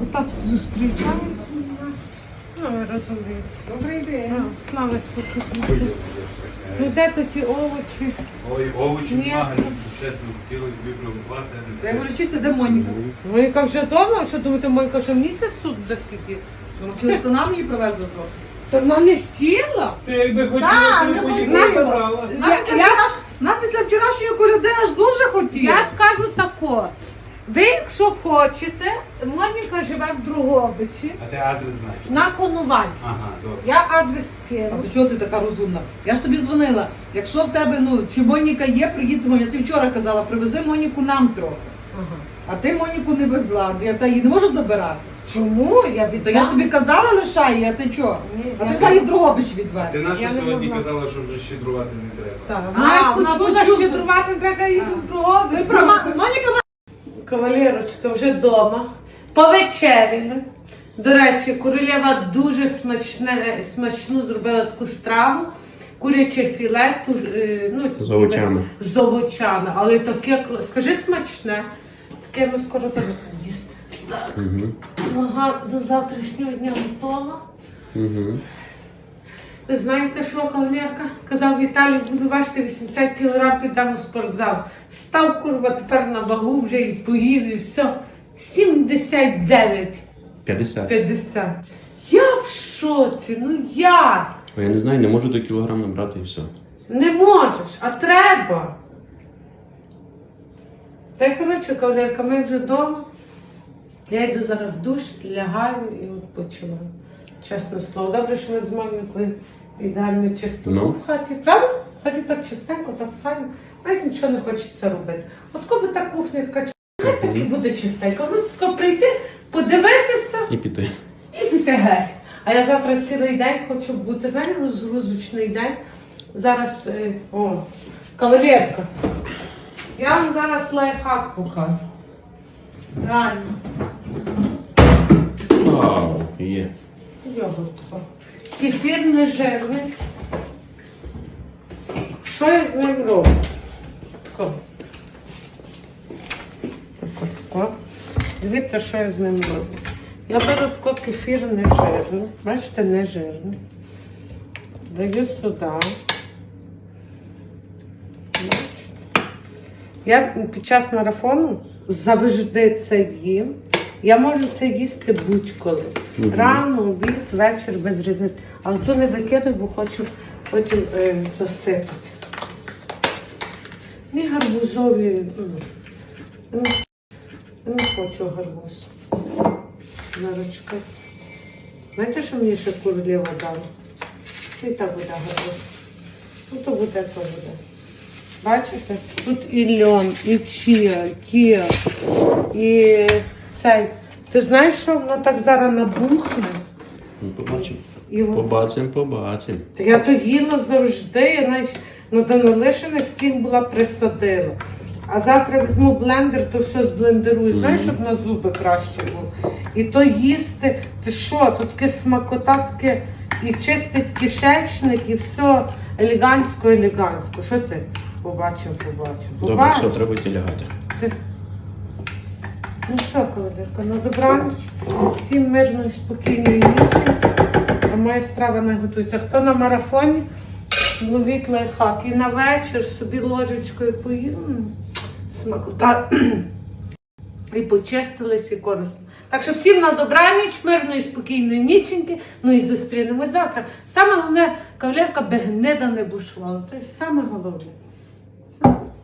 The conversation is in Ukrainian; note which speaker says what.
Speaker 1: так зустрічаємося. Ну, ви розумієте.
Speaker 2: Добрий день.
Speaker 1: Слава Ісусу Христу. Ну де то ті овочі?
Speaker 3: Ой, овочі
Speaker 1: М'ясо.
Speaker 3: немає, чесно, хотіли випробувати.
Speaker 2: Я говорю, чисто, де Моніка?
Speaker 1: Моніка вже вдома? Що думаєте, Моніка що місяць тут буде сидіти?
Speaker 2: Через то нам її привезли трохи.
Speaker 1: То вона не хотіла?
Speaker 3: Ти якби
Speaker 2: Так,
Speaker 3: хотіла,
Speaker 2: не
Speaker 3: ти б
Speaker 2: хотіла.
Speaker 3: їх забрала.
Speaker 2: Нам після вчорашньої коляди аж дуже хотіли.
Speaker 1: Я скажу тако. Ви, якщо хочете, Моніка живе в Дрогобичі,
Speaker 3: А ти адрес знаєш?
Speaker 1: на Конувальці.
Speaker 3: Ага, добре.
Speaker 1: Я адрес
Speaker 2: А
Speaker 1: скину.
Speaker 2: до чого ти така розумна? Я ж тобі дзвонила. Якщо в тебе, чи Моніка є, приїдь дзвони. Ти вчора казала, привези Моніку нам трохи.
Speaker 1: Ага.
Speaker 2: А ти Моніку не везла. Я її не можу забирати.
Speaker 1: Чому? Я
Speaker 2: То
Speaker 1: віддам.
Speaker 2: я ж тобі казала, лишай її, а ти чого?
Speaker 1: Ні,
Speaker 2: А
Speaker 1: я
Speaker 2: ти взяла її в Дрогобич
Speaker 3: Ти
Speaker 2: відвезти.
Speaker 3: наша
Speaker 1: Я не
Speaker 3: сьогодні
Speaker 1: могла.
Speaker 3: казала, що вже щедрувати не треба.
Speaker 2: Так.
Speaker 1: Вона
Speaker 2: вона
Speaker 1: почула,
Speaker 2: почула.
Speaker 1: щедрувати треба їду в Дрогобич.
Speaker 2: Моніка
Speaker 1: Кавалерочка вже вдома. Повечеряли. До речі, королева дуже смачну зробила таку страву. Куряче філе,
Speaker 4: З овочами.
Speaker 1: З овочами. Але таке, скажи смачне. Таке ми скоро так їсти. Так. Вага до завтрашнього дня готова. Ви знаєте, що кавалерка? Казав Віталій, буду важити 80 кг, підемо в спортзал. Став, курва, тепер на вагу вже і поїв, і все. 79.
Speaker 4: 50.
Speaker 1: 50. Я в шоці, ну як?
Speaker 4: А я не знаю, не можу до кілограм набрати і все.
Speaker 1: Не можеш, а треба. Та й, коротше, кавалерка, ми вже вдома. Я йду зараз в душ, лягаю і відпочиваю. Чесне слово. Добре, що ми з Монікою ідеально чистоту
Speaker 4: Ну.
Speaker 1: в хаті. Правда? В хаті так чистенько, так файно. Навіть нічого не хочеться робити. От коли та кухня така чистенька, так і буде чистенько. Просто тако прийти, подивитися
Speaker 4: І піти.
Speaker 1: і піти геть. А я завтра цілий день хочу бути, знаєш, розгрузочний день. Зараз, кавалерка. Я вам зараз лайфхак покажу. Реально.
Speaker 4: Вау, є.
Speaker 1: Йогуртко. Кефір не жирний. Що я з ним роблю? Тако. Тако. Дивіться, що я з ним роблю. Я беру тако кефір не жирний. Бачите, не жирний. Даю сюди. Бачите? Я під час марафону завжди це їм. Я можу це їсти будь-коли. Рано, обід, вечір, без різниці. Але то не викидаю, бо хочу потім засипати. Ні гарбузові. Я не хочу гарбуз. Зараз чекай. Знаєте, що мені ще королева дала? І так буде гарбуз. Ну то буде, то буде. Бачите? Тут і льон, і чия, кія, і цей. Ти знаєш, що воно так зараз набухне?
Speaker 4: Ну, побачимо.
Speaker 1: І
Speaker 4: Побачимо.
Speaker 1: Та я то їла завжди, я навіть на Данилишиних всіх була присадила. А завтра візьму блендер, то все зблендерую, знаєш, щоб на зуби краще було. І то їсти, ти що, тут таке смакота, таке, і чистить кишечник, і все елегантсько. Що ти? Побачив.
Speaker 4: Добре, все, треба йти лягати.
Speaker 1: Ну все, кавалерка, на добраніч. Всім мирної, спокійної ночі. А моя страва не готується. Хто на марафоні, ловіть лайфхак. І на вечір собі ложечкою поїв. Смакота. І почистились, і корисно. Так що всім на добраніч, мирної, спокійної ніченьки. Ну і зустрінемось завтра. Саме головне, кавалерка, би гнида не бушувала. Це саме головне.